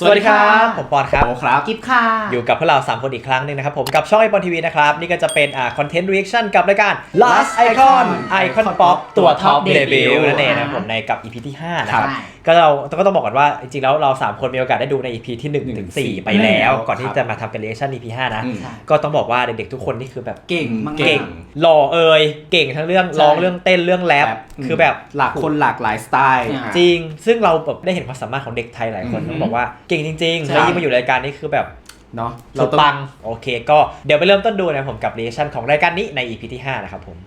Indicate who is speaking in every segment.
Speaker 1: สวัสดีครับผมปอนครับ
Speaker 2: โอครับ
Speaker 3: กิฟค่ะ
Speaker 1: อยู่กับพวกเรา3คนอีกครั้งนึงนะครับผมกับช่องไอปอนทีวีนะครับนี่ก็จะเป็นคอนเทนต์รีแอคชั่นกับรายการ Last Icon Icon Pop ตัวท็อปเดบิวต์นั่นเองนะครับผมในกับ EP ที่5นะครับก็เราก็ต้องบอกก่อนว่าจริงๆแล้วเรา3คนมีโอกาสได้ดูใน EP ที่1ถึง4ไปแล้วก่อนที่จะมาทำเป็นรีแอคชั่น EP 5นะก็ต้องบอกว่าเด็กๆทุกคนนี่คือแบบ
Speaker 3: เก่ง
Speaker 1: หล่อเก่งทั้งเรื่องร้องเรื่องเต้นเรื่องแรปคือแบบ
Speaker 2: หลากคนหลากหลายสไตล์
Speaker 1: จริงซึ่งเราแบบได้เห็นความสามารถของเด็กไทยหลายคนต้องบอกว่าเก่งจริงๆแล้วยิ่งมาอยู่รายการนี้คือแบบ
Speaker 2: เนาะ
Speaker 1: เราปังโอเคก็เดี๋ยวไปเริ่มต้นดูนะผมกับรีแอคชั่นของรายการนี้ใน EP ที่5นะครับผม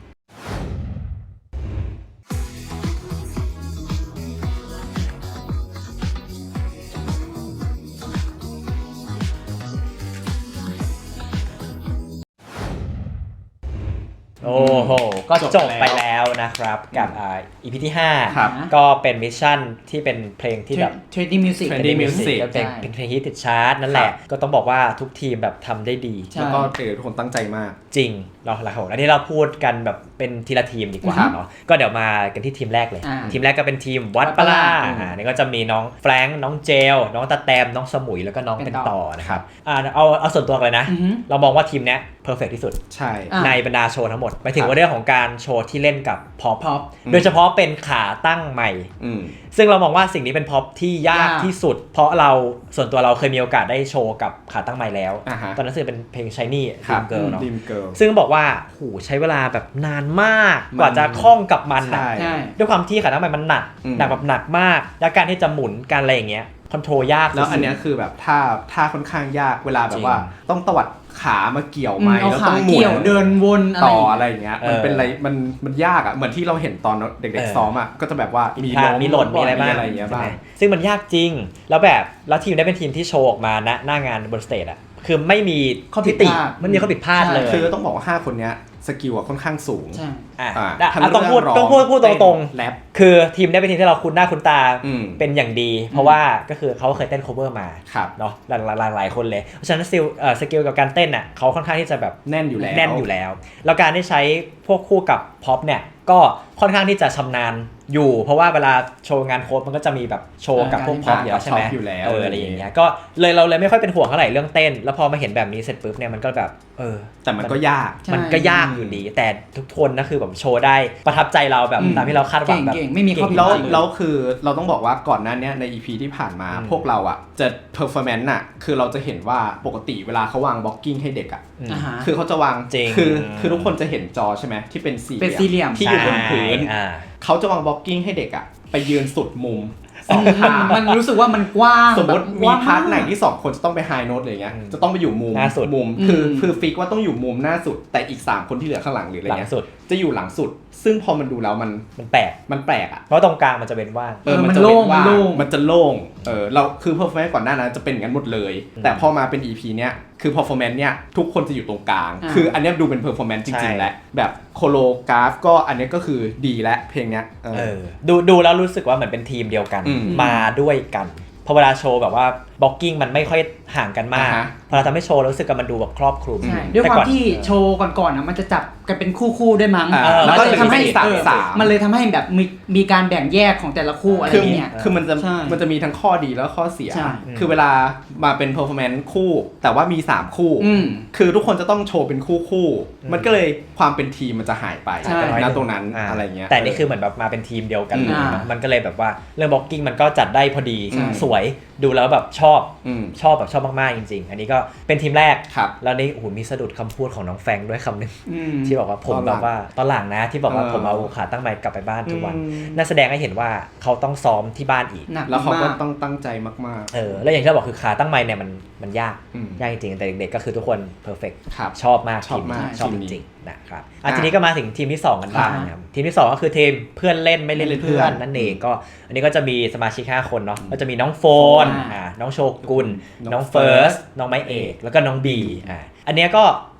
Speaker 1: โอ้โหก็จบไปแล้วนะครับกับEP ที่5ก็เป็นมิชชั่นที่เป็นเพลงที่แบบ
Speaker 3: Trendy Music
Speaker 1: ก็เป็นเพลงฮิตติดชาร์ตนั่นแหละก็ต้องบอกว่าทุกทีมแบบทำได้ดี
Speaker 2: แล้วก็ทุกคนตั้งใจมาก
Speaker 1: จริงเราหลักๆอันนี้เราพูดกันแบบเป็นทีละทีมดีกว่าเนาะก็เดี๋ยวมากันที่ทีมแรกเลยทีมแรกก็เป็นทีมวัดปลานี่ก็จะมีน้องแฟรงค์น้องเจลน้องตาแตมน้องสมุยแล้วก็น้องเป็นต่อนะครับเอาส่วนตัวเลยนะเรามองว่าทีมเนี้ยเพอร์เฟกที่สุด
Speaker 2: ใช่
Speaker 1: ในบรรดาโชว์ทั้งหมดไปถึงว่าเรื่องของการโชว์ที่เล่นกับพ็อปโดยเฉพาะเป็นขาตั้งใหม่ซึ่งเรามองว่าสิ่งนี้เป็นพ็อปที่ยากที่สุดเพราะเราส่วนตัวเราเคยมีโอกาสได้โชว์กับขาตั้งใหม่แล้วตอนนั้นคือเป็นเพลง Shiny Dream Girl เนาะซึ่งบอกว่าโหใช้เวลาแบบนานมากกว่าจะคล่องกับมันนะด้วยความที่ขาตั้งใหม่มันหนักแบบหนักมากและการที่จะหมุนการอะไรอย่างเงี้ยคอนโทรลยาก
Speaker 2: แล้วอันนี้คือแบบท่าค่อนข้างยากเวลาแบบว่าต้องตวัดขามาเกี่ยวไม้แล้วต้องหมุน
Speaker 3: เดินวน
Speaker 2: ต่ออะไรอย่างเงี้ยมันเป็นอะไรมันยากอ่ะเหมือนที่เราเห็นตอนเด็กๆซ้อมอ่ะก็จะแบบว่า
Speaker 1: มีหล่นมีอะไรบ้างซึ่งมันยากจริงแล้วทีมได้เป็นทีมที่โชว์ออกมาณหน้างานบนสเตจอ่ะคือไม่มี
Speaker 3: ข้อผิดพลาด
Speaker 1: ไม่มีข้อผิดพลาดเลย
Speaker 2: คือต้องบอกว่า5คนเนี้ยสกิลค่อนข้างสูง
Speaker 1: ต้องพูดตรงๆแรปคือทีมได้เป็นทีมที่เราคุ้นหน้าคุ้นตาเป็นอย่างดีเพราะว่าก็คือเขาเคยเต้น cover มาเนาะหลายคนเลยเพราะฉะนั้นสกิลกับการเต้นอ่ะเขาค่อนข้างที่จะแบบ
Speaker 2: แน่นอยู่
Speaker 1: แล้วแล้วการได้ใช้พวกคู่กับพ็อปเนี่ยก็ค่อนข้างที่จะชำนาญอยู่เพราะว่าเวลาโชว์งานโค้ดมันก็จะมีแบบโชว์กับพวกพ็อปอยู่ใช่ไหมอะไรอย่างเงี้ยก็เราเลยไม่ค่อยเป็นห่วงเท่าไหร่เรื่องเต้นแล้วพอมาเห็นแบบนี้เสร็จปุ๊บเนี่ยมันก็แบบ
Speaker 2: แต่มันก็ยาก
Speaker 1: อยู่ดีแต่ทุกคนนะคือแบบโชว์ได้ประทับใจเราแบบตามที่เราคาดหวังแบบ
Speaker 3: ไม่มีข้อผิดพลาด
Speaker 2: แล้วคือเราต้องบอกว่าก่อนหน้านี้ใน EP ที่ผ่านมาพวกเราอ่ะจะ performance อ่ะคือเราจะเห็นว่าปกติเวลาเขาวางบล็อกกิ้งให้เด็กอ่ะคือเขาจะวางคือทุกคนจะเห็นจอใช่ไหมที่เป็นสี่เหลี่ยมที่อยู่บนพื้นเขาจะวางบล็อกกิ้งให้เด็กอ่ะไปยืนสุดมุม
Speaker 3: มันรู้สึกว่ามันกว้าง
Speaker 2: สมมติมีพาร์ทไหนที่2คนจะต้องไปไฮโน้ตอะไรเงี้ยจะต้องไปอยู่มุมคือฟิกว่าต้องอยู่มุมหน้าสุดแต่อีก3คนที่เหลือข้างหลังหรืออะไรเงี้ยจะอยู่หลังสุดซึ่งพอมันดูแล้วมันแปลกอ่ะ
Speaker 1: เพราะตรงกลางมันจะเป็นว่าง
Speaker 2: มันจะโล่งมันจะโล่งเราคือ performance ก่อนหน้านั้นจะเป็นอย่างนั้นหมดเลยแต่พอมาเป็น EP เนี้ยคือ performance เนี่ยทุกคนจะอยู่ตรงกลางคืออันนี้ดูเป็น performance จริงๆแหละแบบโคโลกราฟก็อันนี้ก็คือดีและเพลงเนี้ย
Speaker 1: ดูแล้วรู้สึกว่าเหมือนเป็นทีมเดียวกันมาด้วยกันพอเวลาโชว์แบบว่าบล็อกกิ้งมันไม่ค่อยห่างกันมากพอเราทำให้โชว์รู้สึกว่ามันดูแบบครอบคลุม
Speaker 3: ด้วยความที่โชว์ก่อนๆนะมันจะจับกันเป็นคู่ๆด้วยมั้ง
Speaker 2: แล้วก็
Speaker 3: ทำให้มันเลยทำให้แบบมีการแบ่งแยกของแต่ละคู่อะไรเงี้ย
Speaker 2: คือมันจะมีทั้งข้อดีแล้วข้อเสียคือเวลามาเป็น performance คู่แต่ว่ามี3คู่คือทุกคนจะต้องโชว์เป็นคู่มันก็เลยความเป็นทีมมันจะหายไปณตรงนั้นอะไรเงี้ย
Speaker 1: แต่นี่คือเหมือนแบบมาเป็นทีมเดียวกันมันก็เลยแบบว่าเรื่องบล็อกกิ้งมันก็จัดได้พอดีสวยดูแล้วแบบชอบมากๆจริงๆอันนี้ก็เป็นทีมแรกแล้วนี่โอ้โหมีสะดุดคำพูดของน้องแฟงด้วยคำนึงที่บอกว่าผมแบบว่าตอนหลังนะที่บอกว่าผมเอาขาตั้งไมค์กลับไปบ้านทุกวันน่าแสดงให้เห็นว่าเขาต้องซ้อมที่บ้านอีก
Speaker 2: แล้วเขาก็ต้องตั้งใจมาก
Speaker 1: ๆแล้วอย่างที่เราบอกคือขาตั้งไมค์เนี่ยมันยากจริงๆแต่เด็กๆก็คือทุกคนเพอร์เฟคชอบมากชอบจริงๆนะครับทีนี้ก็มาถึงทีมที่2กันบ้างนะครับทีมที่2ก็คือทีมเพื่อนเล่นไม่เล่นเพื่อนนั่นเองก็อันนี้ก็จะมีสมาชิก5คนเนาะก็จะมีน้องโฟนน้องโชกุนน้องเฟิร์สน้องไม้เอกแล้วก็น้องบีอันนี้ก็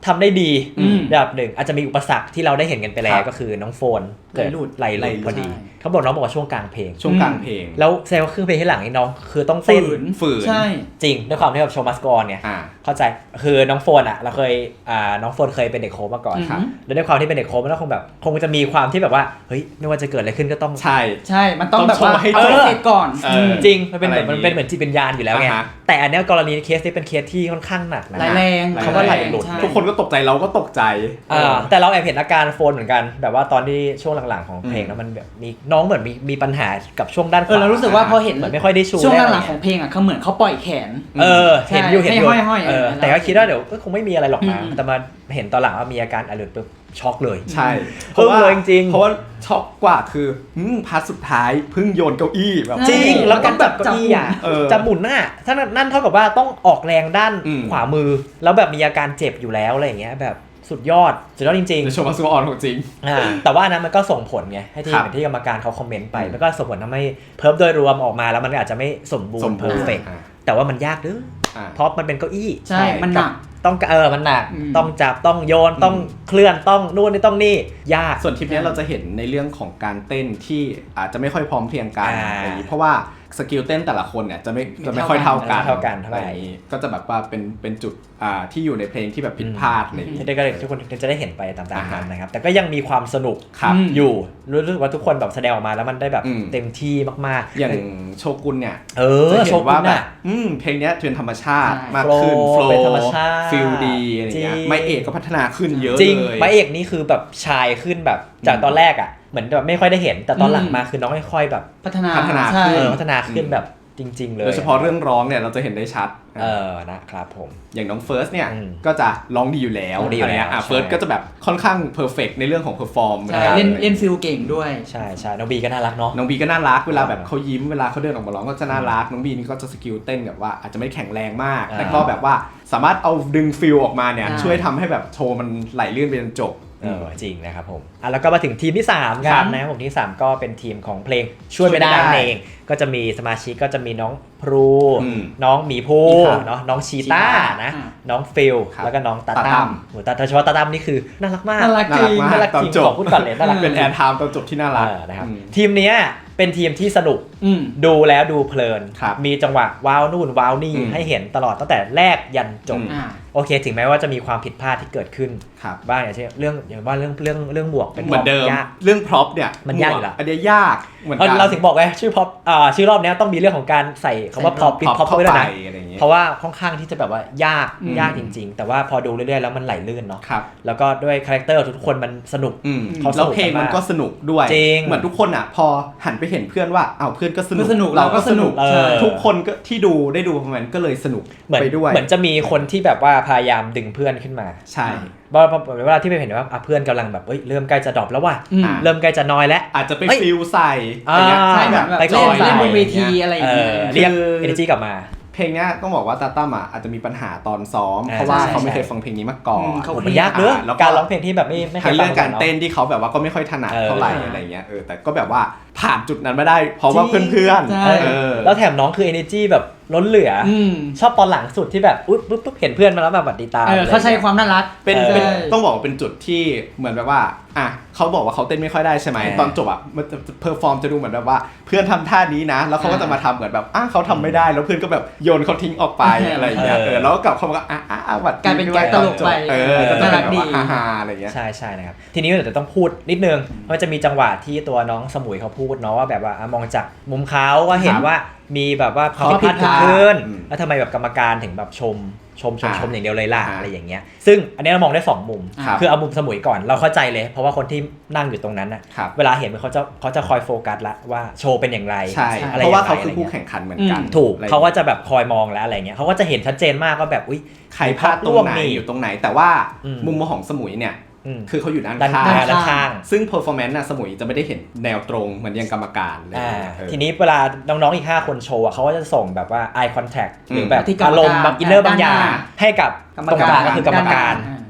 Speaker 1: ทำได้ดีระดับหนึ่งอาจจะมีอุปสรรคที่เราได้เห็นกันไปแล้วก็คือน้องโฟนเกิดไหลหลุดพอดีเขาบอกน้องบอกว่าช่วงกลางเพลงแล้วแสดงว่าครึ่งเพลงที่หลังนี่น้องคือต้องเต้น
Speaker 2: ฝืน
Speaker 3: ใช่
Speaker 1: จริงด้วยความที่แบบโชว์มัสกอนเนี่ยเข้าใจคือน้องโฟนอ่ะเราเคยน้องโฟนเคยเป็นเด็กโค้ชมาก่อนแล้วด้วยความที่เป็นเด็กโค้ชมันก็คงจะมีความที่แบบว่าเฮ้ยไม่ว่าจะเกิดอะไรขึ้นก็ต้อง
Speaker 2: ใช่
Speaker 3: มันต้องแบบว่าให้เสร็จก่อน
Speaker 1: จริงมันเป็นเหมือนจิตวิญญาณอยู่แล้วไงแต่อันนี้กรณีเคสนี้เป็นเคสที่ค่อนข้างหนักนะ
Speaker 3: แรง
Speaker 1: เขาว่าไหลหลุด
Speaker 2: ทุกคนก็ตกใจเราก็ตกใจ
Speaker 1: แต่เราแอบเห็นอาการโฟนเหมือนกันแบบว่าตอนที่ช่วงหลังๆของเพลงแล้วมันแบบมีน้องเหมือนมีปัญหากับช่วงด้านขวา
Speaker 3: เรารู้สึกว่าพอเห็น
Speaker 1: เหมือนไม่ค่อยได้ชู
Speaker 3: ช่วงหลังๆของเพลงอ่ะเขาเหมือนเขาปล่อยแขน
Speaker 1: เห็นอยู่แต่ก็คิดว่าเดี๋ยวก็คงไม่มีอะไรหรอกนะแต่มาเห็นตอนหลังว่ามีอาการอลุดปุ๊บช็อกเลย
Speaker 2: ใช่
Speaker 1: เพราะว่าจริง
Speaker 2: เพราะว่าช็อกกว่าคือพาร์ทสุดท้ายเพิ่งโยนเก้าอี้แบบ
Speaker 1: จริงแล้วการจับเก้าอี้อ่ะจะหมุนหน้าถ้านั่นเท่ากับว่าต้องออกแรงด้านขวามือแล้วแบบมีอาการเจ็บอยู่แล้วอะไรอย่างเงี้ยแบบสุดยอดจริง
Speaker 2: ๆโชว์มาซูออนของจริง
Speaker 1: แต่ว่านั้นมันก็ส่งผลไงให้ที่กรรมการเขาคอมเมนต์ไปแล้วก็ส่งผลทำให้เพิร์ฟโดยรวมออกมาแล้วมันอาจจะไม่สมบูรณ์เพอร์เฟกต์แต่ว่ามันยากด้วยเพราะมันเป็นเก้าอี้
Speaker 3: ใช่มันหนัก
Speaker 1: ต้องมันหนักต้องจับต้องโยนต้องเคลื่อนต้องนู่นนี่ต้องนี่ยาก
Speaker 2: ส่วนทริปนี้เราจะเห็นในเรื่องของการเต้นที่อาจจะไม่ค่อยพร้อมเพรียงกันอะไรอย่างนี้เพราะว่าสกิลเต้นแต่ละคนเนี่ยจะไม่ค่อยเท่ากัน
Speaker 1: อะไร
Speaker 2: ก็จะแบบว่าเป็นจุดที่อยู่ในเพลงที่แบบผิดพลาดอะไรอย่างนี้
Speaker 1: ที่ได้ทุกคนจะได้เห็นไปตามๆกันนะครับแต่ก็ยังมีความสนุกอยู่รู้สึกว่าทุกคนแบบแสดงออกมาแล้วมันได้แบบเต็มที่มาก
Speaker 2: ๆอย่างโชกุนเนี่ย
Speaker 1: จะเห็นว่าแบบ
Speaker 2: เพลงนี้เทรนธรรมชาติมากขึ้นโฟล์
Speaker 1: เป็นธรรมชาติ
Speaker 2: ฟิลดีอะไรเงี้ยไมเอกก็พัฒนาขึ้นเยอะเลย
Speaker 1: จริงไมเอกนี่คือแบบชายขึ้นแบบจากตอนแรกอ่ะเหมือนแบบไม่ค่อยได้เห็นแต่ตอนหลังมาคือน้องค่อยๆแบบ
Speaker 2: พัฒนา
Speaker 1: ขึ้นแบบจริงๆเลย
Speaker 2: โดยเฉพาะเรื่องร้องเนี่ยเราจะเห็นได้ชัด
Speaker 1: นะครับผม
Speaker 2: อย่างน้องเฟิร์สเนี่ยก็จะร้องดีอยู่แล้วอะไรเงี้ยเฟิร์สก็จะแบบค่อนข้างเพอร์เฟกต์ในเรื่องของเพอร์ฟอร์ม
Speaker 3: เล่นฟิลเก่งด้วย
Speaker 1: ใช่น้องบีก็น่ารักเนาะ
Speaker 2: น้องบีก็น่ารักเวลาแบบเขายิ้มเวลาเขาเดินออกมาร้องก็จะน่ารักน้องบีนี่ก็จะสกิลเต้นแบบว่าอาจจะไม่แข็งแรงมากแต่ก็แบบว่าสามารถเอาดึงฟิลออกมาเนี่ยช่วยทำให้แบบโชว์มันไหลลื่นไปจนจบ
Speaker 1: จริงนะครับผมแล้วก็มาถึงทีมที่3กันนะครับผมที่3ก็เป็นทีมของเพลงช่วยไม่ได้เองก็จะมีสมาชิกก็จะมีน้องพลูน้องหมีภูเนาะน้องชีต้านะน้องฟิลแล้วก็น้องตาตั้มแต่โดยเฉพาะตาตั้มนี่คือน่ารักมาก
Speaker 3: น่ารักจ
Speaker 2: ริง
Speaker 1: ขอพูดก่อนเลยน่ารัก
Speaker 2: เป็นแอนไทม์ตอนจบที่น่ารัก
Speaker 1: นะครับทีมนี้เป็นทีมที่สนุกดูแล้วดูเพลินมีจังหวะว้าวนู่นว้าวนี่ให้เห็นตลอดตั้งแต่แรกยันจบโอเคถึงแม้ว่าจะมีความผิดพลาดที่เกิดขึ้นบ้างอย่างเช่นเรื่องหมวกเป็น
Speaker 2: เหมือนเดิมเรื่องพร็อพเนี่ย
Speaker 1: มันยากอยู่แล้ว
Speaker 2: อันนี้ยากเหมือน
Speaker 1: เราถึงบอกไงชื่อพร็อพชื่อรอบนี้ต้องมีเรื่องของการใส่คำว่าพร็อพปิดพร็อพเข้าไปด้วยนะเพราะว่าค่อนข้างที่จะแบบว่ายากจริงๆแต่ว่าพอดูเรื่อยๆแล้วมันไหลลื่นเนาะแล้วก็ด้วยคาแรคเตอร์ทุกคนมันสนุก
Speaker 2: แล้วเพลงมันก็สนุกด้วยเหมือนทุกคนอ่ะพอหันไปเห็นเพื่อนว่าเพื่อนก็สนุกเราก็สนุกทุกคนก็ที่ได้ดูมันก็เลยสนุกไปด้วย
Speaker 1: เหมือนจะมีคนที่แบบว่าพยายามดึงเพื่อนขึ้นมา
Speaker 2: ใช่
Speaker 1: เวลาที่ไปเห็นว่าเพื่อนกำลังแบบเริ่มใกล้จะดรอปแล้วว่ะเริ่มใกล้จะน้อยแล้ว
Speaker 2: อาจจะไปฟิลใส่
Speaker 3: ใช่แบบเล่นบนเวทีอะไรอย่างเงี้ย
Speaker 1: เรียก energy กลับมา
Speaker 2: เพลงนี้ต้องบอกว่าตาตั้มอาจจะมีปัญหาตอนซ้อมเพราะว่าเขาไม่เคยฟังเพลงนี้มาก่อน
Speaker 1: มันยากเนอะการร้องเพลงที่แบบไม่เคยฟัง
Speaker 2: เรื่องการเต้นที่เขาแบบว่าก็ไม่ค่อยถนัดเท่าไหร่อะไรเงี้ยแต่ก็แบบว่าผ่านจุดนั้นมาได้เพราะว่าเพื่อน
Speaker 1: แล้วแถมน้องคือ energy แบบล้นเหลือชอบตอนหลังสุดที่แบบปุ๊บเห็นเพื่อนมาแล้วแบบบัดดีตา
Speaker 3: เขาใช้ความน่ารัก
Speaker 2: เป็นต้องบอกว่าเป็นจุดที่เหมือนแบบว่าเขาบอกว่าเขาเต้นไม่ค่อยได้ใช่ไหมตอนจบมันเพอร์ฟอร์มจะดูเหมือนแบบว่าเพื่อนทำท่านี้นะแล้วเขาก็จะมาทำเหมือนแบบเขาทำไม่ได้แล้วเพื่อนก็แบบโยนเขาทิ้งออกไปอะไรอย่างเงี้ยแล้วก็กลับเขาบอกวัด
Speaker 3: กลายเป็นแก๊กตลกไป
Speaker 2: น่ารักดีฮ่าอะไรเงี้ย
Speaker 1: ใช่นะครับทีนี้เดี๋ยวต้องพูดนิดนึงเพราะจะมีจังหวะที่ตัวน้องสมุยเขาพูดเนาะว่าแบบว่ามองจากมุมเขาก็เห็นว่ามีแบบว่าความผิดพลาดเกิดขึ้นแล้วทำไมแบบกรรมการถึงแบบชมอย่างเดียวเลยล่ะอะไรอย่างเงี้ยซึ่งอันนี้เรามองได้2มุมคือเอามุมสมุยก่อนเราเข้าใจเลยเพราะว่าคนที่นั่งอยู่ตรงนั้นน่ะเวลาเห็นเขาจะคอยโฟกัสละว่าโชว์เป็นอย่างไร
Speaker 2: เพราะว่าเขาคือผู้แข่งขันเหมือนกัน
Speaker 1: ถูกเขาก็จะแบบคอยมองแล้วอะไรเงี้ยเขาก็จะเห็นชัดเจนมากว่าแบบอุ๊ย
Speaker 2: ใครพลาดตรงไหนอยู่ตรงไหนแต่ว่ามุมมองของสมุยเนี่ยคือเขาอยู่ด้านข้างซึ่ง performance สมุยจะไม่ได้เห็นแนวตรงเหมือนยังกรรมการเลย
Speaker 1: ทีนี้เวลาน้องๆอีก5คนโชว์เขาก็จะส่งแบบว่า eye contact หรือแบบอารมณ์แบบ inner บางอย่างให้กับกรรมการก็คือกรรมการ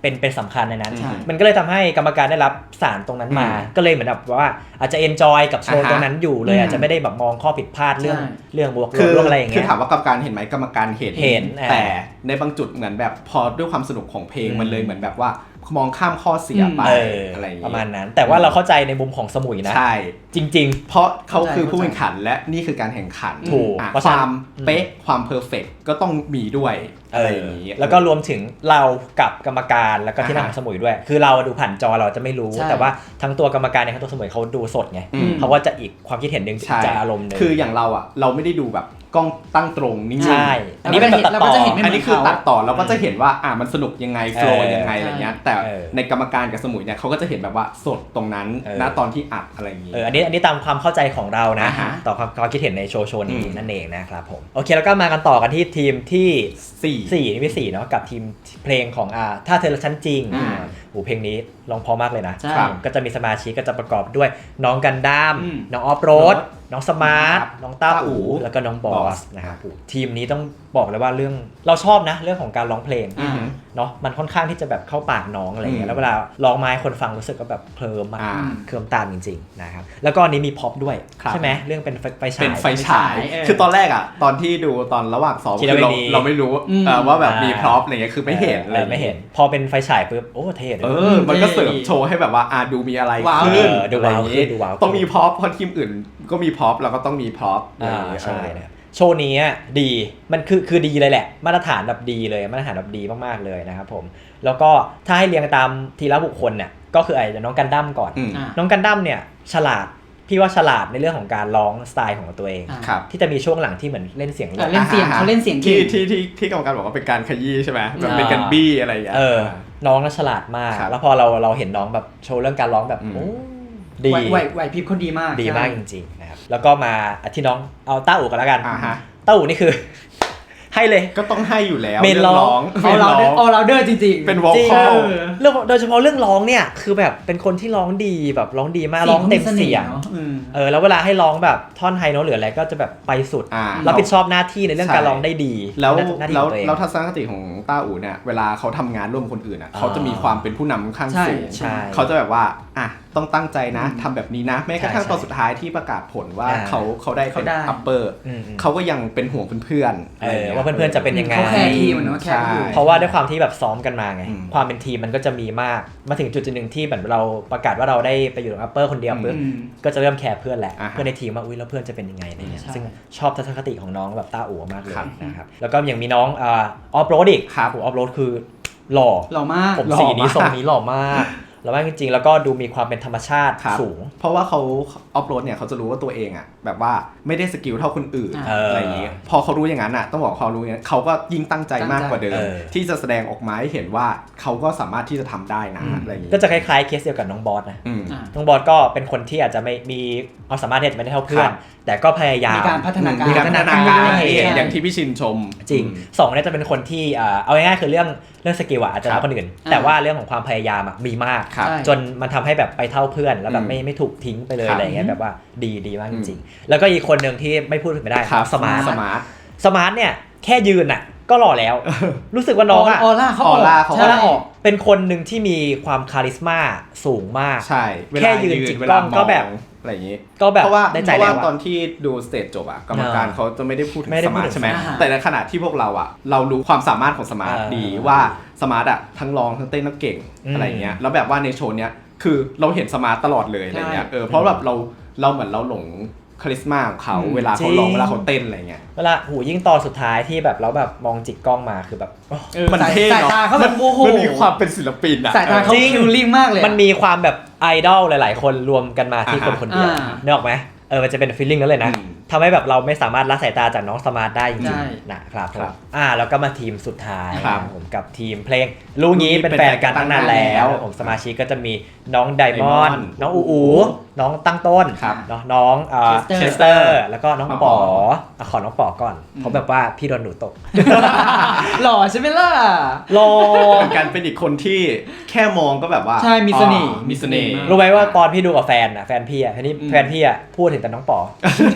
Speaker 1: เป็นสำคัญในนั้นมันก็เลยทำให้กรรมการได้รับสารตรงนั้นมาก็เลยเหมือนแบบว่าอาจจะเอนจอยกับโชว์ตรงนั้นอยู่เลยอาจจะไม่ได้แบบมองข้อผิดพลาดเรื่องบวกลบเรื่องอะไรอย่างเงี้ย
Speaker 2: คือถามว่ากรรมการเห็นไหมกรรมการเห็นแต่ในบางจุดเหมือนแบบพอด้วยความสนุกของเพลงมันเลยเหมือนแบบว่ามองข้ามข้อเสียไปอะไรอย่างเงี้ย
Speaker 1: ประมาณนั้นแต่ว่าเราเข้าใจในมุมของสมุยนะ
Speaker 2: ใช่
Speaker 1: จริง
Speaker 2: ๆเพราะเขาคือผู้แข่งขันและนี่คือการแข่งขัน
Speaker 1: ถูก
Speaker 2: ความเป๊ะความเพอร์เฟกต์ก็ต้องมีด้วยอะไรอย่างนี้
Speaker 1: แล้วก็รวมถึงเรากับกรรมการแล้วก็ที่นั่งของสมุยด้วยคือเราดูผ่านจอเราจะไม่รู้แต่ว่าทั้งตัวกรรมการในทั้งตัวสมุยเขาดูสดไงเขาก็จะอีกความคิดเห็นนึงจะอารมณ์นึง
Speaker 2: คืออย่างเราอ่ะเราไม่ได้ดูแบบกล้องตั้งตรงนิ่งๆ
Speaker 1: ใช่อันนี้เป็นตัดต่อ
Speaker 2: อันนี้คือตัดต่อเราก็จะเห็นว่ามันสนุกยังไงโฟล์ยังไงอะไรเงี้ยแต่ในกรรมการกับสมุยเนี่ยเขาก็จะเห็นแบบว่าสดตรงนั้นณตอนที่อัดอะไรอย่างงี้
Speaker 1: อันนี้ตามความเข้าใจของเรานะต่อความคิดเห็นในโชว์นี้นั่นเองนะครับผมโอเคแล้วก็มากันต่อกันที่ทีมที่4นี่ที่4เนาะกับทีมเพลงของถ้าเธอรักฉันจริงเพลงนี้ร้องเพราะมากเลยนะก็จะมีสมาชิกก็จะประกอบด้วยน้องกันดั้มน้องออฟโรดน้องสมาร์ทน้องต้าอู๋แล้วก็น้องบอสนะครับทีมนี้ต้องบอกเลยว่าเรื่องเราชอบนะเรื่องของการร้องเพลงเนาะมันค่อนข้างที่จะแบบเข้าปากน้องอะไรเงี้ยแล้วเวลาร้องไม้คนฟังรู้สึกก็แบบเคลิ้มเคลิ้มตามจริงๆนะครับแล้วก็นี้มีพ็อปด้วยใช่ไหมเรื่องเป็นไฟฉาย
Speaker 2: คือตอนแรกตอนที่ดูตอนระหว่างซ้อมคือเราไม่รู้ว่าแบบมีพร็อพอะไรเงี้ยคือไม่เห็นเลย
Speaker 1: ไม่เห็นพอเป็นไฟฉายปุ๊บโอ้เท่เลย
Speaker 2: มันก็เสริมโชว์ให้แบบว่าดูมีอะไรขึ้น
Speaker 1: ดูว้าวขึ้นดูว้าว
Speaker 2: ต้องมีพร็อพเพราะทีมอื่นก็มีพร็อพเราก็ต้องมีพร็อพ
Speaker 1: ใช่โชว์นี้ดีมันคือดีเลยแหละมาตรฐานแบบดีเลยมาตรฐานแบบดีมากๆเลยนะครับผมแล้วก็ถ้าให้เรียงตามทีละบุคคลเนี่ยก็คือไอ้น้องกันดั้มก่อนน้องกันดั้มเนี่ยฉลาดพี่ว่าฉลาดในเรื่องของการร้องสไตล์ของตัวเองที่จะมีช่วงหลังที่เหมือนเล่นเสียง
Speaker 3: เล่นเสียงเขาเล่นเสียง
Speaker 2: ที่กรรมการบอกว่าเป็นการขยี้ใช่ไหมแบบเป็นการบี้อะไรอย่างเงี้ย
Speaker 1: น้องน่าฉลาดมากแล้วพอเราเห็นน้องแบบโชว์เรื่องการร้องแบบโอ้ดี
Speaker 3: ไหวพริบเขาดีมาก
Speaker 1: จริงๆนะครับแล้วก็มาที่น้องเอาต้าอู่กันแล้วกันต้าอู่นี่คือให้เลย
Speaker 2: ก็ต้องให้อยู่แล้ว
Speaker 1: เมนร้อง
Speaker 3: เอาเราเดอร์จริง
Speaker 2: ๆเป็นวอลคอล
Speaker 1: โดยเฉพาะเรื่องร้องเนี่ยคือแบบเป็นคนที่ร้องดีแบบร้องดีมากร้องเต็มเสียงแล้วเวลาให้ร้องแบบท่อนไฮโน้ตหรืออะไรก็จะแบบไปสุดรับผิดชอบหน้าที่ในเรื่องการร้องได้ดี
Speaker 2: แล้วทัศนคติของต้าอู๋เนี่ยเวลาเขาทำงานร่วมคนอื่นเขาจะมีความเป็นผู้นำข้างสูงเขาจะแบบว่าต้องตั้งใจนะทำแบบนี้นะแม้กระทั่งตอนสุดท้ายที่ประกาศผลว่าเขาได้เป็นอัปเปอร์เขาก็ยังเป็นห่วงเพื่อน
Speaker 1: ว่าเพื่อนๆจะเป็นยังไง
Speaker 3: เขาแค่ทีมเนาะแค่
Speaker 1: เพราะว่าด้วยความที่แบบซ้อมกันมาไงความเป็นทีมมันก็จะมีมากมาถึงจุดนึงที่แบบเราประกาศว่าเราได้ไปอยู่กับอัปเปอร์คนเดียวปุ๊บก็จะเริ่มแคร์เพื่อนแหละเพื่อนในทีมว่าอุ้ยแล้วเพื่อนจะเป็นยังไงอะไรเงี้ยซึ่งชอบทัศนคติของน้องแบบต้าอู๋มากเลยนะครับแล้วก็ยังมีน้องออฟโรดอีกออฟโรดคือหล่อ
Speaker 3: มาก
Speaker 1: ผมสีนี้ทรงนี้หล่อมากแล้วจริงๆแล้วก็ดูมีความเป็นธรรมชาติสูง
Speaker 2: เพราะว่าเขาออฟโรดเนี่ยเขาจะรู้ว่าตัวเองแบบว่าไม่ได้สกิลเท่าคนอื่นอะไรอย่างนี้พอเขารู้อย่างนั้นต้องบอกเขารู้อย่างนั้นเขาก็ยิ่งตั้งใจมากกว่าเดิมที่จะแสดงออกมาให้เห็นว่าเขาก็สามารถที่จะทำได้นะอะไรอย่างนี้
Speaker 1: ก็จะคล้ายๆเคสเดียวกับน้องบอสนะน้องบอสก็เป็นคนที่อาจจะไม่มีความสามารถที่จะไม่ได้เท่าเพื่อนแต่ก็พยายาม
Speaker 3: มีการพัฒนาการ
Speaker 2: อย่างที่พี่ชินชม
Speaker 1: จริง2เนี่ยจะเป็นคนที่เอาง่ายๆคือเรื่องสกิลอาจจะน้อยคนอื่นแต่ว่าเรื่องของความพยายามมีมากจนมันทำให้แบบไปเท่าเพื่อนแล้วแบบไม่ถูกทิ้งไปเลยอะไรเงี้ยแบบว่าดีมากจริงๆแล้วก็อีกคนนึงที่ไม่พูดถึงไม่ได้สมาร์ทเนี่ยแค่ยืนก็หล่อแล้วรู้สึกว่าน้อง
Speaker 3: ออร่าเขาออก
Speaker 1: เป็นคนหนึ่งที่มีความคาริสมาสูงมาก
Speaker 2: ใช่
Speaker 1: แค่ยืนจิกกล้องก็แบบ
Speaker 2: อะไรอย่างนี้
Speaker 1: ก็แบบ
Speaker 2: เพราะว่าตอนที่ดูสเตจจบกรรมการเขาจะไม่ได้พูดถึงสมาร์ทใช่ไหมแต่ในขณะที่พวกเรารู้ความสามารถของสมาร์ทดีว่าสมาร์ททั้งร้องทั้งเต้นทั้งเก่งอะไรเงี้ยแล้วแบบว่าในโชว์เนี้ยคือเราเห็นสมาร์ทตลอดเลยอะไรเงี้ยเพราะแบบเราเหมือนเราหลงคาริสมาของเขาเวลาเขาร้องเวลาเขาเต้นอะไรเงี้ย
Speaker 1: เวลายิ่งตอนสุดท้ายที่แบบเราแบบมองจิกกล้องมาคือแบบ
Speaker 2: มันเท่เนาะมันมีความเป็นศิลปิน
Speaker 3: สายตาเขาคิวลิ่งมากเลย
Speaker 1: มันมีความแบบไอดอลหลายๆคนรวมกันมาที่คนเดียวนึกออกไหมมันจะเป็นฟีลลิ่งนั้นเลยนะทำให้แบบเราไม่สามารถละสายตาจากน้องสมาร์ทได้จริงๆนะครับแล้วก็มาทีมสุดท้ายผมกับทีมเพลงรู้งี้เป็นแฟนกันตั้งนานแล้วผมสมาชิกก็จะมีน้องไดมอนด์น้องอูน้องตั้งต้นน้องเชสเตอร์แล้วก็น้องป๋อขอน้องป๋อก่อนเพราะแบบว่าพี่โดนหนูตก
Speaker 3: หล่อใช่ไหมล่ะ
Speaker 1: หล่อ
Speaker 2: กันเป็นอีกคนที่แค่มองก็แบบว่า
Speaker 3: ใช่มีเสน่ห์
Speaker 1: รู้ไหมว่าตอนพี่ดูกับแฟนพี่แฟนพี่พูดถึงแต่น้องป๋อ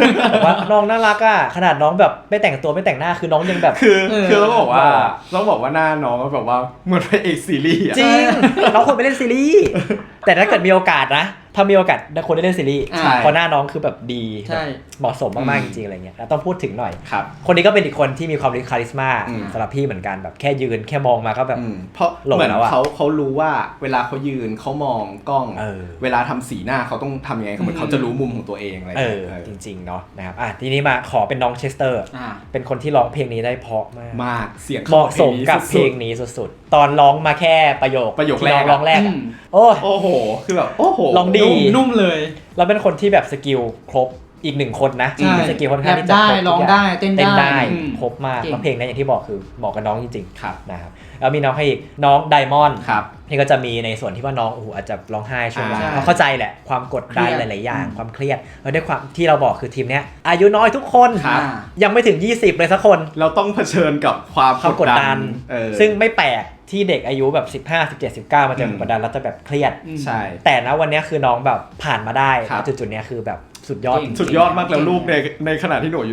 Speaker 1: ว่าน้องน่ารักอ่ะขนาดน้องแบบไม่แต่งตัวไม่แต่งหน้าคือน้องยังแบบ
Speaker 2: คือต้องบอกว่าหน้าน้องก็แบบว่าเหมือนพระเอกซีรีส์
Speaker 1: จริงน้องควรไปเล่นซีรีส์แต่ถ้าเกิดมีโอกาสนะถ้ามีโอกาสควรได้เล่นซีรีส์เพราะหน้าน้องคือแบบดีเหมาะสมมากๆจริงๆอะไรเงี้ยต้องพูดถึงหน่อยคนนี้ก็เป็นอีกคนที่มีความคาริสมาสำหรับพี่เหมือนกันแบบแค่ยืนแค่มองมาก็แบบ
Speaker 2: เพราะเหมือนเขารู้ว่าเวลาเขายืนเขามองกล้องเวลาทำสีหน้าเขาต้องทำยังไงเหมือนเขาจะรู้มุมของตัวเองอะไร
Speaker 1: จริงๆเนาะนะครับทีนี้มาขอเป็นน้องเชสเตอร์เป็นคนที่ร้องเพลงนี้ได้เพราะมาก
Speaker 2: เสียง
Speaker 1: เหมาะสมกับเพลงนี้สุดๆตอนร้องมาแค่ประโยคแรกร้องแรก
Speaker 2: โอ้โหคือแบบโอ้โห
Speaker 1: ร้องดี
Speaker 3: นุ่มเลย
Speaker 1: เราเป็นคนที่แบบสกิลครบอีกหนึ่งคนนะสกิลค่อนข้างที่จะ
Speaker 3: ครบร้องได้เต้นได้
Speaker 1: ครบมากแล้วเพลงนี้อย่างที่บอกคือเหมาะกับน้องจริงๆนะครับแล้วมีน้องให้อีกน้องไดมอนด์นี่ก็จะมีในส่วนที่ว่าน้องอาจจะร้องไห้ช่วงแรกเข้าใจแหละความกดดันหลายๆอย่างความเครียดแล้วด้วยความที่เราบอกคือทีมเนี้ยอายุน้อยทุกคนยังไม่ถึง20เลยสักคน
Speaker 2: เราต้องเผชิญกับความ
Speaker 1: กดดันซึ่งไม่แปลกที่เด็กอายุแบบ15 17 19มาเจอกดดันแล้วจะแบบเครียด
Speaker 2: ใช่
Speaker 1: แต่นะวันนี้คือน้องแบบผ่านมาได้จุดๆนี้คือแบบสุดยอ
Speaker 2: ดมากแล้วลูกในขณะที่หนูอายุ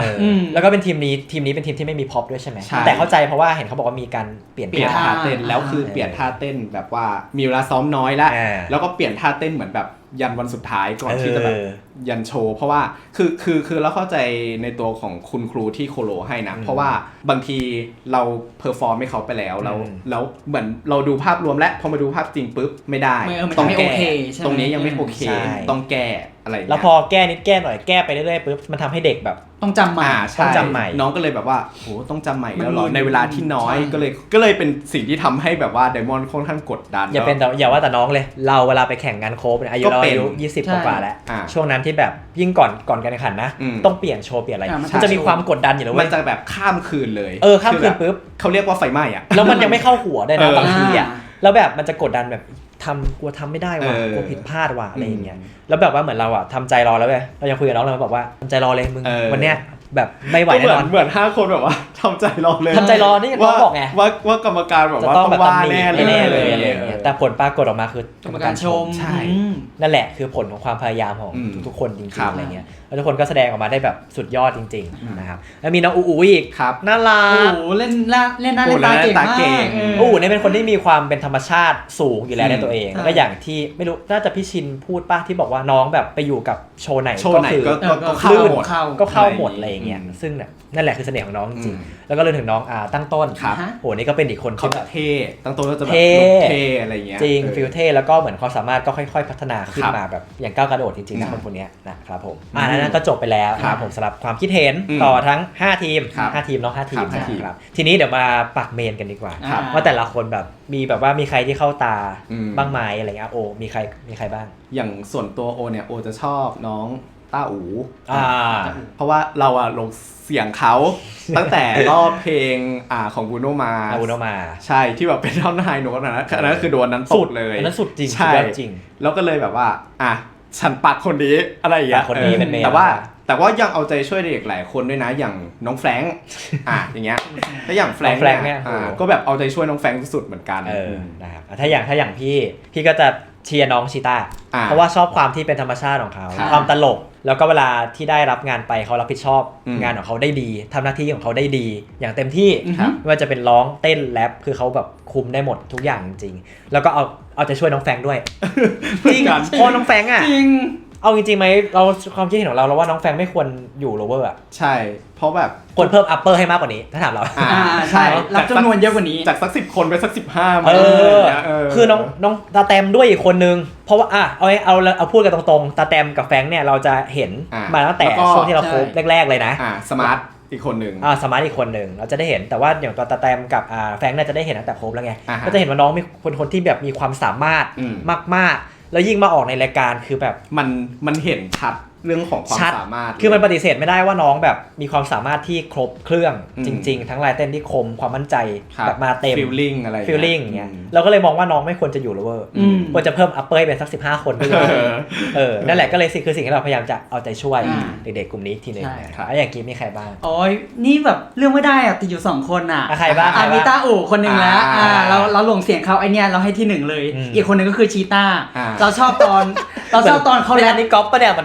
Speaker 2: 15
Speaker 1: แล้วก็เป็นทีมนี้เป็นทีมที่ไม่มีพ็อปด้วยใช่ไหมแต่เข้าใจเพราะว่าเห็นเขาบอกว่ามีการเปลี่ยน
Speaker 2: ท่าเต้นแล้วคือเปลี่ยนท่าเต้นแบบว่ามีเวลาซ้อมน้อยแล้วก็เปลี่ยนท่าเต้นเหมือนแบบยันวันสุดท้ายก่อนที่จะแบบยันโชว์เพราะว่าคือเราเข้าใจในตัวของคุณครูที่โคโลให้นะเพราะว่าบางทีเราเพอร์ฟอร์มให้เขาไปแล้วเหมือนเราดูภาพรวมและพอมาดูภาพจริงปุ๊บไม่ได้
Speaker 3: ต้องแก้
Speaker 2: ตรงนี้ยังไม่โอเคต้องแก้อะไร
Speaker 1: แล้วพอแก้นิดแก้หน่อยแก้ไปเรื่อยๆปุ๊บมันทำให้เด็กแบบ
Speaker 3: ต้องจำใหม่
Speaker 1: ต้องจำใหม่
Speaker 2: น้องก็เลยแบบว่าโหต้องจำใหม่แล้วหรอในเวลาที่น้อยก็เลยเป็นสิ่งที่ทำให้แบบว่าไดมอนด์ค่อนข้างกดดัน
Speaker 1: อย่าว่าแต่น้องเลยเราเวลาไปแข่งงานโค้ชอายุ20กว่าแล้วช่วงนั้นที่แบบยิ่งก่อนการแข่งขันนะต้องเปลี่ยนโชว์เปลี่ยนอะไรมันจะมีความกดดันอยู่แล้ว
Speaker 2: มันจะแบบข้ามคืนเลย
Speaker 1: ข้ามคืนปุ๊บ
Speaker 2: เขาเรียกว่าไฟไหม้อะ
Speaker 1: แล้วมันยังไม่เข้าหัวได้นะบางทีอะแล้วแบบมันจะกดดันแบบกลัวทำไม่ได้ว่ะกลัวผิดพลาดว่ะอะไรอย่างเงี้ยแล้วแบบว่าเหมือนเราอะทำใจรอแล้วเว้ยเรายังคุยกับน้องเลยบอกว่าทำใจรอเลยมึงวันเนี้ยแบบไม่ไหวแน่นอน
Speaker 2: เหมือน5คนแบบว่าทำใจรอเลย
Speaker 1: ทำใจรอนี่น้องบอกไง
Speaker 2: ว่ากรรมการแบบว่าต้องว่าแน่
Speaker 1: เลยอะไรอย่างเงี้ยแต่ผลปรากฏออกมาคือกรรมการชมใช่นั่นแหละคือผลของความพยายามของทุกคนจริงๆอะไรเงี้ยแล้วทุกคนก็แสดงออกมาได้แบบสุดยอดจริงๆนะครับแล้วมีน้องอูอีกน่ารัก
Speaker 3: เล่นหน้าเล่นตาเก่ง
Speaker 1: มากเนี่ยเป็นคนที่มีความเป็นธรรมชาติสูงอยู่แล้วในตัวเองแล้วก็อย่างที่ไม่รู้น่าจะพี่ชินพูดป่ะที่บอกว่าน้องแบบไปอยู่กับโชว์ไหน
Speaker 2: ก็เข้า
Speaker 1: หมดอะไรอย่างเงี้ยซึ่งนั่นแหละคือเสน่ห์ของน้องจริงๆแล้วก็เลยถึงน้องตั้งต้นนี่ก็เป็นอีกคน
Speaker 2: ที่แบบเท่ตั้งต้นก็จะแบบเท่อะไรเงี้ย
Speaker 1: จริงฟิลเท่แล้วก็เหมือนความสามารถก็ค่อยๆพัฒนาขึ้นมาแบบอย่างก้าวกระโดดจริงๆนะคนนี้นะครับผมนั่นก็จบไปแล้วครับผมสำหรับความคิดเห็นต่อทั้ง5ทีม5ทีมเนาะ5ทีมนะครับทีนี้เดี๋ยวมาปักเมนกันดีกว่าว่าแต่ละคนแบบมีแบบว่ามีใครที่เข้าตาบ้างไหมอะไรเงี้ยมีใครบ้าง
Speaker 2: อย่างส่วนตัวเนี่ยจะชอบน้องต้าอูเพราะว่าเราลงเสียงเขาตั้งแต่รอบเพลงของบูโนมาใช่ที่แบบเป็นท่อนไฮโน้ตนั้นคือโดนนั้นสุดเลย
Speaker 1: อันนั้นสุดจริง
Speaker 2: ใช่จริงแล้วก็เลยแบบว่าฉันปักคนนี้อะไรอย่างเงี้ย
Speaker 1: คนนี้เป็นเมน
Speaker 2: แต่ว่ายังเอาใจช่วยเด็กหลายคนด้วยนะอย่างน้องแฟรงค์อย่างเงี้ยถ้าอย่างแฟรงค์เนี่ยก็แบบเอาใจช่วยน้องแฟรงค์สุดเหมือนกัน
Speaker 1: นะครับถ้าอย่างพี่ก็จะเชียร์น้องชีต้าเพราะว่าชอบความที่เป็นธรรมชาติของเขาความตลกแล้วก็เวลาที่ได้รับงานไปเขารับผิดชอบงานของเขาได้ดีทำหน้าที่ของเขาได้ดีอย่างเต็มที่ไม่ว่าจะเป็นร้องเต้นแรปคือเขาแบบคุมได้หมดทุกอย่างจริงๆแล้วก็เอาใจช่วยน้องแฟรงค์ด้วยจริงเพราะน้องแฟรงค์จริงเอาจริงๆไหมเราความคิดเห็นของเราว่าน้องแฟรงค์ไม่ควรอยู่โลเวอร์
Speaker 2: ใช่เพราะแบบ
Speaker 1: ควรเพิ่มอัปเปอร์ให้มากกว่านี้ถ้าถามเรา
Speaker 3: ใช่รับจำนวนเยอะกว่านี้
Speaker 2: จากสัก10คนไปสัก15
Speaker 1: คือน้องตาแตมด้วยอีกคนนึงเพราะว่าเอาพูดกันตรงๆตาแตมกับแฟรงค์เนี่ยเราจะเห็นมาตั้งแต่ช่วงที่เราคบแรกๆเลยนะ
Speaker 2: สมาร์ทอีกคนหนึ่ง
Speaker 1: สมาร์ทอีกคนหนึ่งเราจะได้เห็นแต่ว่าอย่างตัวตาแตมกับแฟรงค์เนี่ยจะได้เห็นตั้งแต่คบแล้วไงก็จะเห็นว่าน้องมีคนที่แบบมีความสามารถมากๆแล้วยิ่งมาออกในรายการคือแบบ
Speaker 2: มันเห็นชัดเรื่องของความสามารถ
Speaker 1: คือมันปฏิเสธไม่ได้ว่าน้องแบบมีความสามารถที่ครบเครื่องจริงๆทั้งลายเต้นที่คมความมั่นใจแบบมาเต็ม
Speaker 2: ฟีลลิ่งอะไร
Speaker 1: ฟีลลิ่งอย่างเงี้ยเราก็เลยมองว่าน้องไม่ควรจะอยู่แล้วเวอร์ควรจะเพิ่มอัปเปอร์ให้เป็นสัก15คนไปเลยนั่นแหละก็เลยคือสิ่งที่เราพยายามจะเอาใจช่วยเด็กๆกลุ่มนี้ทีนึงนะครับอย่างกี้มีใครบ้าง
Speaker 3: นี่แบบเรื่องไม่ได้ติดอยู่2คน
Speaker 1: ใครบ้าง
Speaker 3: มีต้าอู่คนนึงแล้วเราหลงเสียงเขาไอเนี้ยเราให้ที่1เลยอีกคนนึงก็คือชีต้าเราชอบตอนเขาแรป
Speaker 1: นี่ก๊อปปะเนี่ยมัน
Speaker 3: ไม่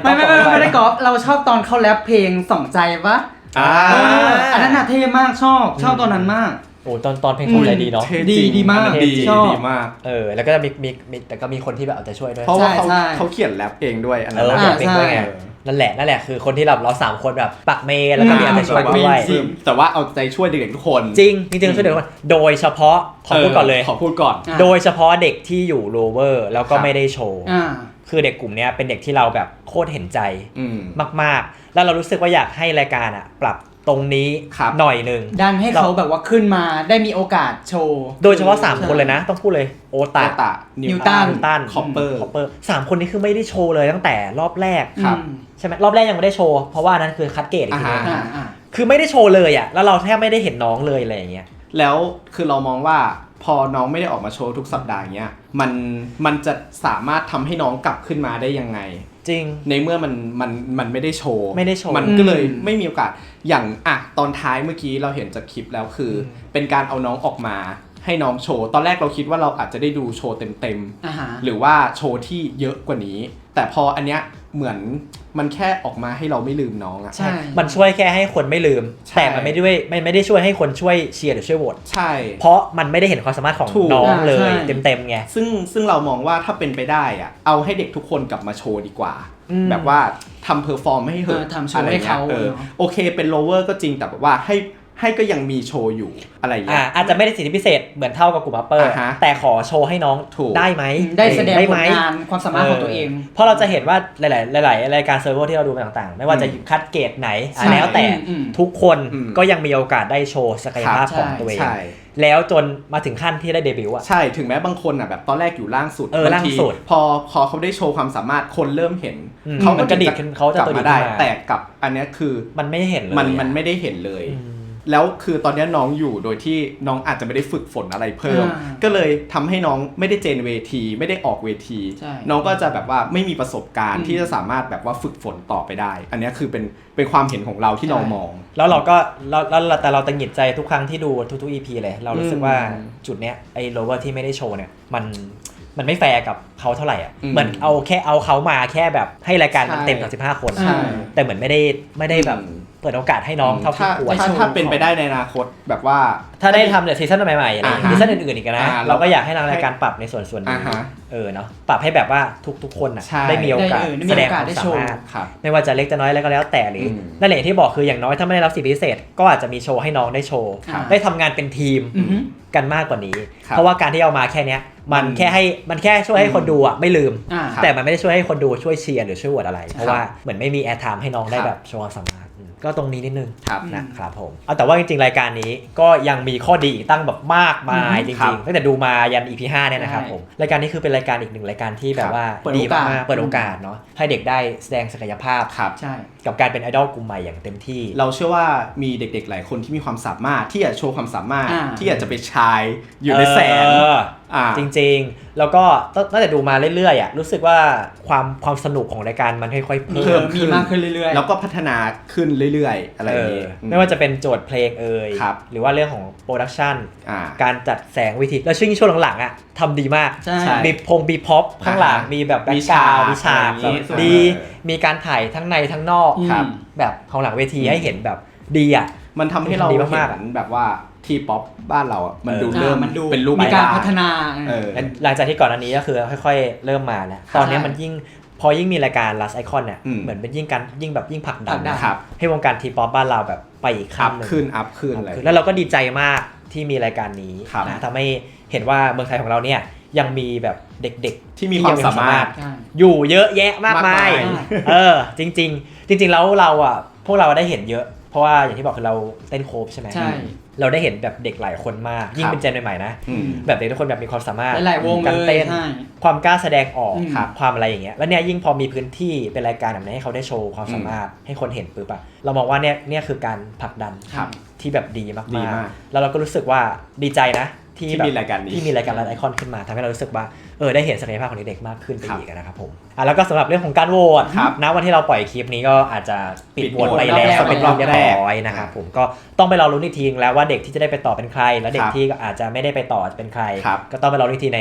Speaker 3: ไม่ได้กอล์ฟเราชอบตอนเขาแรปเพลงสองใจปะอันนั้นน่ะเท่มากชอบตอนนั้นมาก
Speaker 1: โอ้ตอนเพลงของใจดีเนาะ
Speaker 3: ดีมาก
Speaker 2: ชอบดีมาก
Speaker 1: แล้วก็จะมีแต่ก็มีคนที่แบบเอาใจช่วยด้วย
Speaker 2: เพราะว่าเขาเขียนแรปเองด้วยอันนั้น
Speaker 1: เองด้วยไงนั่นแหละคือคนที่เรา3คนแบบปักเมย์แล้วก็มีเอาใจช่วยด้วย
Speaker 2: แต่ว่าเอาใจช่วยเด็กทุกคน
Speaker 1: จริงช่วยเด็กทุกคนโดยเฉพาะขอพูดก่อนโดยเฉพาะเด็กที่อยู่โลเวอร์แล้วก็ไม่ได้โชว์คือเด็กกลุ่มนี้เป็นเด็กที่เราแบบโคตรเห็นใจมากๆแล้วเรารู้สึกว่าอยากให้รายการปรับตรงนี้หน่อยนึง
Speaker 3: ดันให้เขาแบบว่าขึ้นมาได้มีโอกาสโชว์
Speaker 1: โดยเฉพาะ3คนเลยนะต้องพูดเลยโอตะ
Speaker 3: นิวตัน
Speaker 1: คอปเปอร์3คนนี้คือไม่ได้โชว์เลยตั้งแต่รอบแรกใช่ไหมรอบแรกยังไม่ได้โชว์เพราะว่านั้นคือคัดเกรดอีกทีนึงคือไม่ได้โชว์เลยแล้วเราแทบไม่ได้เห็นน้องเลยอะไรอย่างเงี้ย
Speaker 2: แล้วคือเรามองว่าพอน้องไม่ได้ออกมาโชว์ทุกสัปดาห์เงี้ยมันจะสามารถทำให้น้องกลับขึ้นมาได้ยังไง
Speaker 1: จริง
Speaker 2: ในเมื่อมันไม่ได้โชว์
Speaker 1: มั
Speaker 2: นก็เลยไม่มีโอกาสอย่างตอนท้ายเมื่อกี้เราเห็นจากคลิปแล้วคือเป็นการเอาน้องออกมาให้น้องโชว์ตอนแรกเราคิดว่าเราอาจจะได้ดูโชว์เต็มๆหรือว่าโชว์ที่เยอะกว่านี้แต่พออันเนี้ยเหมือนมันแค่ออกมาให้เราไม่ลืมน้อง
Speaker 1: ใช่มันช่วยแค่ให้คนไม่ลืมแต่มันไม่ได้ช่วยให้คนช่วยเชียร์หรือช่วยโหวต
Speaker 2: ใช่
Speaker 1: เพราะมันไม่ได้เห็นความสามารถของน้องเลยเต็มๆไง
Speaker 2: ซึ่งเรามองว่าถ้าเป็นไปได้เอาให้เด็กทุกคนกลับมาโชว์ดีกว่าแบบว่าทำเพอร์ฟอร์มให้เหอะ
Speaker 3: ทำโชว์ให้เขา
Speaker 2: โอเคเป็นโลเวอร์ก็จริงแต่แบบว่าให้ก็ยังมีโชว์อยู่อะไรอย่างเงี้ย
Speaker 1: อาจจะไม่ได้สิทธิพิเศษเหมือนเท่ากับกลุ่มอัปเปอร์แต่ขอโชว์ให้น้องได้ไหม
Speaker 3: ได้แสดงผลงานความสามารถของตัวเอง
Speaker 1: เพราะเราจะเห็นว่าหลายรายการเซิร์ฟเวอร์ที่เราดูมาต่างๆไม่ว่าจะคัดเกรดไหนแล้วแต่ทุกคนก็ยังมีโอกาสได้โชว์ศักยภาพของตัวเองแล้วจนมาถึงขั้นที่ได้เดบิวต์
Speaker 2: ใช่ถึงแม้บางคนแบบตอนแรกอยู่ล่างสุด
Speaker 1: ล่างสุด
Speaker 2: พอเขาได้โชว์ความสามารถคนเริ่มเห็น
Speaker 1: เขากระดิกเขาจะ
Speaker 2: กลับมาได้แต่กับอันนี้คือ
Speaker 1: มันไม่เห็นเลย
Speaker 2: มันไม่ได้เห็นเลยแล้วคือตอนนี้น้องอยู่โดยที่น้องอาจจะไม่ได้ฝึกฝนอะไรเพิ่มก็เลยทำให้น้องไม่ได้เจนเวทีไม่ได้ออกเวทีน้องก็จะแบบว่าไม่มีประสบการณ์ที่จะสามารถแบบว่าฝึกฝนต่อไปได้อันนี้คือเป็นความเห็นของเราที่เรามอง
Speaker 1: แล้วเราก็แต่เราตังหงิดใจทุกครั้งที่ดูทุก EP เลยเรารู้สึกว่าจุดเนี้ยไอ้โลเวอร์ที่ไม่ได้โชว์เนี่ยมันไม่แฟร์กับเขาเท่าไหร่เหมือนเอาเขามาแค่แบบให้รายการมันเต็ม35คนแต่เหมือนไม่ได้แบบเปิดโอกาสให้น้องเท่าที่ควร
Speaker 2: ถ้าเป็นไปได้ในอนาคตแบบว่า
Speaker 1: ถ้าได้ทำเนี่ยซีซั่นใหม่ๆอะไรซีซั่นอื่นๆอีกนะเราก็อยากให้ทางรายการปรับในส่วนนี้เนาะปรับให้แบบว่าทุกคนได้มีโอกาสแสดงความสามารถไม่ว่าจะเล็กจะน้อยอะไรก็แล้วแต่หรือนั่นแหละที่บอกคืออย่างน้อยถ้าไม่ได้รับสิทธิพิเศษก็อาจจะมีโชว์ให้น้องได้โชว์ได้ทำงานเป็นทีมกันมากกว่านี้เพราะว่าการที่เอามาแค่นี้มันแค่ช่วยให้คนดูไม่ลืมแต่มันไม่ได้ช่วยให้คนดูช่วยเชียร์หรือช่วยโหวตอะไรเพราะว่าเหมือนไม่มีแอร์ไทม์ให้น้องได้แบบโชว์ความสามารถก็ตรงนี้นิดนึงนะครับผมแต่ว่าจริงๆรายการนี้ก็ยังมีข้อดีตั้งแบบมากมายจริงๆตั้งแต่ดูมายัน EP 5เนี่ยนะครับผมรายการนี้คือเป็นรายการอีกหนึ่งรายการที่แบบว่าดีมากเปิดโอกาสเนาะให้เด็กได้แสดงศักยภาพกับการเป็นไอดอลกลุ่มใหม่อย่างเต็มที่
Speaker 2: เราเชื่อว่ามีเด็กๆหลายคนที่มีความสามารถที่อยากโชว์ความสามารถที่อยากจะไปชายอยู่ในแสง
Speaker 1: จริงๆแล้วก็ตั้งแต่ดูมาเรื่อยๆรู้สึกว่าความสนุกของรายการมันค่อยๆเพิ่ม
Speaker 3: มีมากขึ้นเรื่อย
Speaker 2: ๆแล้วก็พัฒนาขึ้นเรื่อยๆอะไรอย่างนี้
Speaker 1: ไม่ว่าจะเป็นโจทย์เพลงหรือว่าเรื่องของโปรดักชันการจัดแสงวิธีแล้วช่วงหลังๆทำดีมากมีบีพ็อปข้างหลังมีแบบแบ็คกราวด์มีฉากดีมีการถ่ายทั้งในทั้งนอกแบบของหลังเวทีให้เห็นแบบดี
Speaker 2: มันทำให้เราเห็นแบบว่าทีป๊อปบ้านเรามันดูเริ่มเป็นรูป
Speaker 3: มีการพัฒนา
Speaker 1: หลังจากที่ก่อนอันนี้ก็คือค่อยๆเริ่มมาแล้วตอนนี้มันพอยิ่งมีรายการ Last Icon เนี่ยเหมือนเป็นยิ่งผลักดันให้วงการทีป๊อปบ้านเราแบบไปอีกขั้นนึง
Speaker 2: อัพขึ้นอะไร
Speaker 1: แล้วเราก็ดีใจมากที่มีรายการนี้นะทำให้เห็นว่าเมืองไทยของเราเนี่ยยังมีแบบเด็กๆ
Speaker 2: ที่มีความสามารถ
Speaker 1: อยู่เยอะแยะมากมายจริงแล้วเราพวกเราได้เห็นเยอะเพราะว่าอย่างที่บอกคือเราเต้นโคฟใช่ไหมเราได้เห็นแบบเด็กหลายคนมากยิ่งเป็นเจนใหม่ๆนะแบบเด็กทุกคนแบบมีความสามารถ
Speaker 3: การ
Speaker 1: เต้นความกล้าแสดงออกความอะไรอย่างเงี้ยแล้วเนี่ยยิ่งพอมีพื้นที่เป็นรายการแบบนี้ให้เขาได้โชว์ความสามารถให้คนเห็นปุ๊บเรามองว่าเนี่ยคือการผลักดันที่แบบดีมากๆแล้วเราก็รู้สึกว่าดีใจนะที่
Speaker 2: มีรายการนี้
Speaker 1: ที่มีรายการไอคอนขึ้นมาทำให้เรารู้สึกว่าได้เห็นศักยภาพของเด็กๆมากขึ้นไปอีกนะครับผมแล้วก็สำหรับเรื่องของการโหวตนะวันที่เราปล่อยคลิปนี้ก็อาจจะปิดโหวตไปแล้วเป็นรอบเรียบร้อยนะครับผมก็ต้องไปรอลุ้นอีกทีแล้วว่าเด็กที่จะได้ไปต่อเป็นใครแล้วเด็กที่อาจจะไม่ได้ไปต่อจะเป็นใครก็ต้องไปรอลุ้นอีกทีใน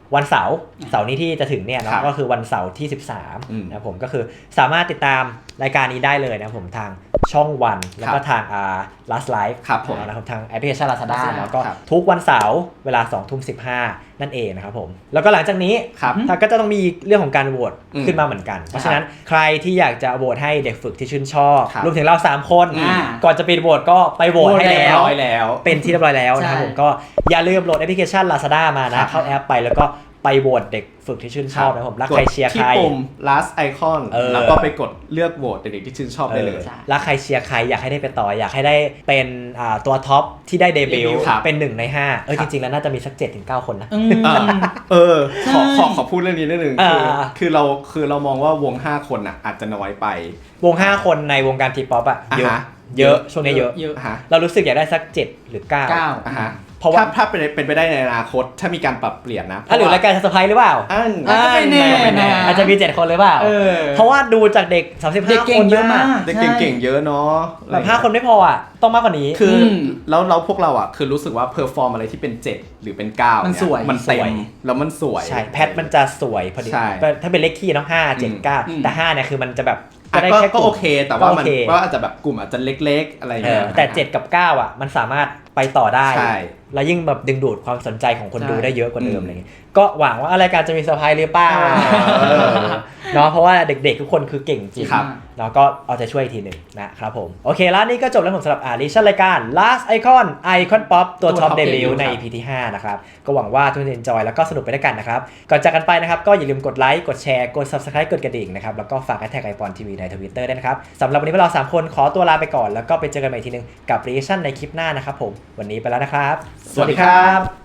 Speaker 1: วันเสาร์นี้ที่จะถึงเนี่ยเนาะก็คือวันเสาร์ที่13นะครับผมก็คือสามารถติดตามรายการนี้ได้เลยนะครับผมทางช่องวันแล้วก็ทางLast Live นะครับทางแอปพลิเคชัน Lazada แล้วก็ทุกวันเสาร์เวลา 20:15 นั่นเองนะครับผมแล้วก็หลังจากนี้ก็จะต้องมีเรื่องของการโหวตขึ้นมาเหมือนกันเพราะฉะนั้นใครที่อยากจะโหวตให้เด็กฝึกที่ชื่นชอบรวมถึงเรา3คนก่อนจะปิดโหวตก็ไปโหวตให้แล้วเป็นที่เรียบร้อยแล้วนะครับผมก็อย่าลืมโหลดแอปพลิเคชัน Lazada มานะเข้าแอปไปแล้วก็ไปโหวตเด็กฝึกที่ชื่นชอบนะผมรักใครเชียร์ใคร
Speaker 2: ที่ปุ่ม last icon แล้วก็ไปกดเลือกโหวตเด็กที่ชื่นชอบได้เลย
Speaker 1: รักใครเชียร์ใครอยากให้ได้ไปต่ออยากให้ได้เป็นตัวท็อปที่ได้เดบิวต์เป็น1 ใน 5จริงๆแล้วน่าจะมีสัก 7-9 คนนะ
Speaker 2: ขอพูดเรื่องนี้นิดนึงคือเรามองว่าวง5คนอ่ะอาจจะน้อยไป
Speaker 1: วง5คนในวงการทีป๊อปอ่ะเยอะช่วงนี้เยอะเรารู้สึกอยากได้สัก7 หรือ 9
Speaker 2: เพราะว่าถ้าเป็นไปได้ในอนาคตถ้ามีการปรับเปลี่ยนนะ
Speaker 1: หรือรายการเซอร์ไพรส์หรือเปล่า
Speaker 3: ไม่แน่
Speaker 1: อาจจะมี7 คนหรือเปล่าเพราะว่าดูจากเด็ก35 คนเยอะมาก
Speaker 2: เด็กเก่งๆเยอะเนาะ
Speaker 1: แบบ5 คนไม่พออ่ะต้องมากกว่านี้
Speaker 2: คือแล้วพวกเราอ่ะคือรู้สึกว่าเพอร์ฟอร์มอะไรที่เป็น7หรือเป็น9
Speaker 3: มันสวย
Speaker 2: มันเต็มแล้วมันสวย
Speaker 1: ใช่แพทมันจะสวยพอดีถ้าเป็นเลขคี่เนาะ5 7 9แต่5เนี่ยคือมันจะแบบ
Speaker 2: ก็โอเคแต่ว่ามันก็อาจจะแบบกลุ่มอาจจะเล็กๆอะไรอย่างเงี้ย
Speaker 1: แต่7 กับ 9อ่ะมันสามารถไปต่อได้แล้วยิ่งแบบดึงดูดความสนใจของคนดูได้เยอะกว่าเดิมอะไรเงี้ยก็หวังว่ารายการจะมีเซอร์ไพรส์หรือเปล่าเนาะเพราะว่าเด็กๆทุกคนคือเก่งจริงเนาะก็เอาใจช่วยอีกทีหนึ่งนะครับผมโอเคแล้วนี่ก็จบแล้วผมสำหรับลิชั่นรายการ Last Icon Pop ตัวท็อปเดบิวต์ใน EP ที่5นะครับก็หวังว่าทุกคนจะ enjoy แล้วก็สนุกไปด้วยกันนะครับก่อนจากกันไปนะครับก็อย่าลืมกดไลค์กดแชร์กด Subscribe กดกระดิ่งนะครับแล้วก็ฝากแท็กiPhone TV ใน Twitter ด้วยนะครับสำหรับวันนี้พวกเรา3คนขอตัวลาไปก่อนแล้วก็ไปเจอกันใหม่ทีนึงกับ Reaction ในคลิปหน้านะครับผมวันนี้ไปแล้วนะครับ
Speaker 2: สวัสดีครับ